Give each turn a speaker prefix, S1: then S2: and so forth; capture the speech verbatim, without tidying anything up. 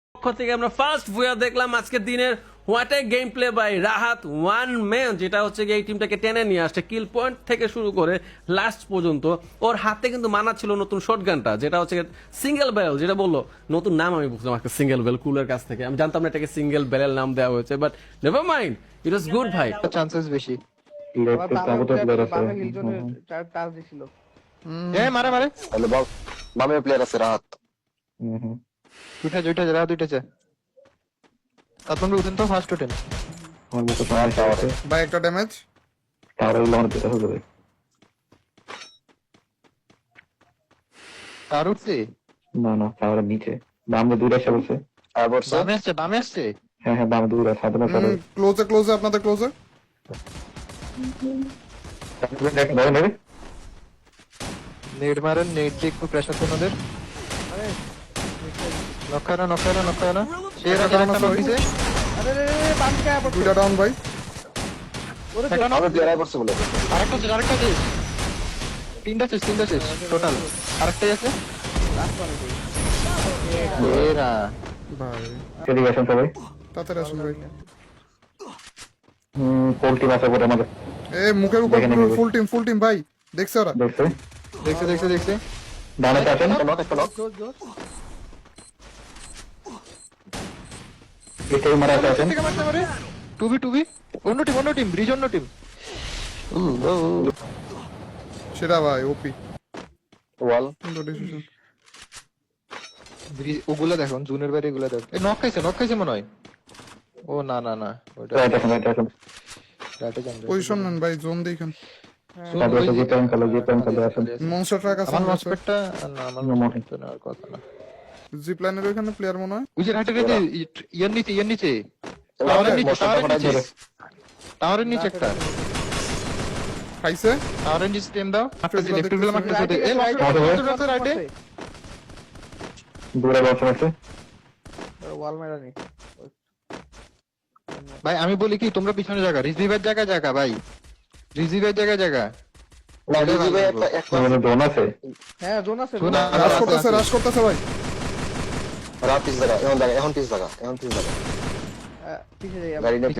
S1: পক্ষ থেকে আমরা ফার্স্ট ভুয়া দেখলাম আজকে দিনের what a game play by Rahat one man, যেটা হচ্ছে এই টিমটাকে টেনে নিয়ে আসছে কিল পয়েন্ট থেকে শুরু করে লাস্ট পর্যন্ত। ওর হাতে কিন্তু মানা ছিল নতুন শটগানটা, যেটা হচ্ছে সিঙ্গেল ব্যারেল, যেটা বললো নতুন নাম আমি বুঝলাম আজকে সিঙ্গেল বেল কুলের কাছ থেকে। আমি জানতাম না এটাকে সিঙ্গেল ব্যারেল নাম দেওয়া হয়েছে, but never mind, it was good ভাই।
S2: চান্সেস বেশি। এ মারে মারে
S3: হ্যালো বাম বামে প্লেয়ার আছে রাহাত।
S2: দুইটা দুইটা যারা দুইটাছে তারপর উঠেন তো ফার্স্ট উঠেন
S4: ভাই একটা ড্যামেজ।
S2: আর উঠছে
S5: না না টাওয়ারের নিচে বামে দূরে এসে বসে।
S3: আর বলছে
S2: বামে আসছে বামে আসছে
S5: হ্যাঁ হ্যাঁ বামে দূরে সাধারণ টাওয়ার
S4: ক্লোজে ক্লোজে আপনাদের ক্লোজে।
S2: নেট মারেন, নেট দিয়ে একটু প্রেসার দেন ওদের। নখানা নখানা নখানা শের আগে একটা নক দিছে।
S4: দুইটা ডাউন ভাই।
S2: একটা নক
S3: আমি প্লেয়ার করছে বলে
S2: আরেকটা আছে আরেকটা আছে তিনটা শেষ তিনটা শেষ টোটাল আরেকটাই আছে এরা
S4: ভাই
S5: সেলিব্রেশন সবাই
S4: তাড়াতাড়ি আসুন ভাই।
S5: হুম পোল্ট্রি মাছ করে আমাদের
S4: এ মুখের উপর
S5: দেখে নেবে।
S4: ফুল টিম ফুল টিম ভাই, দেখছে ওরা।
S5: দেখছে
S2: দেখছে দেখছে দেখছে
S5: ডানে আসেন
S3: নক একটা নক
S5: এটাই মারা আছেন
S2: থেকে মারতে পারে টুবি টুবি অন্য টিম অন্য টিম ব্রিজ অন্য টিম
S4: সেটা ভাই ওপি
S3: ওয়াল
S4: ডিসিশন।
S2: ব্রিজ ওগুলা দেখো জুনের বাইরে এগুলা দেখো এ নক খাইছে নক খাইছে মনে হয়। ও না না না ওটা
S5: রাইট আসেন রাইট আসেন
S2: রাইটে যান
S4: পজিশন নেন ভাই, জোন দেখেন।
S5: তারপরে যে পেন কালো যে পেন কালো আসেন
S4: মনস্টার ট্রাক আছে
S2: আমার লসপেটটা না আমার লসপেটটা না আর কথা না
S4: জিপ লাইনের ওখানে প্লেয়ার মনে হয়।
S2: ওই যে রাইটে রাইটে ইয়ার নিচে ইয়ার নিচে টাওয়ারের নিচে টাওয়ারের নিচে টাওয়ারের নিচে একটা
S4: খাইছে
S2: টাওয়ারের নিচে টেম দাও একটা যে লেফট গুলো মারতে দে এ রাইটে রাইটে
S5: দূরে বসে আছে
S2: ভাই আমি বলি কি তোমরা পিছনে জায়গা রিসিভার জায়গা জায়গা ভাই রিসিভার জায়গা জায়গা
S3: না রিজিভে একটা একটা
S5: মানে জোন আছে
S4: রাশ করতেছে রাশ করতেছে ভাই।
S3: রাত পিস জায়গা এখন জায়গা এখন পিস জায়গা এখন পিস জায়গা গাড়ি নিয়ে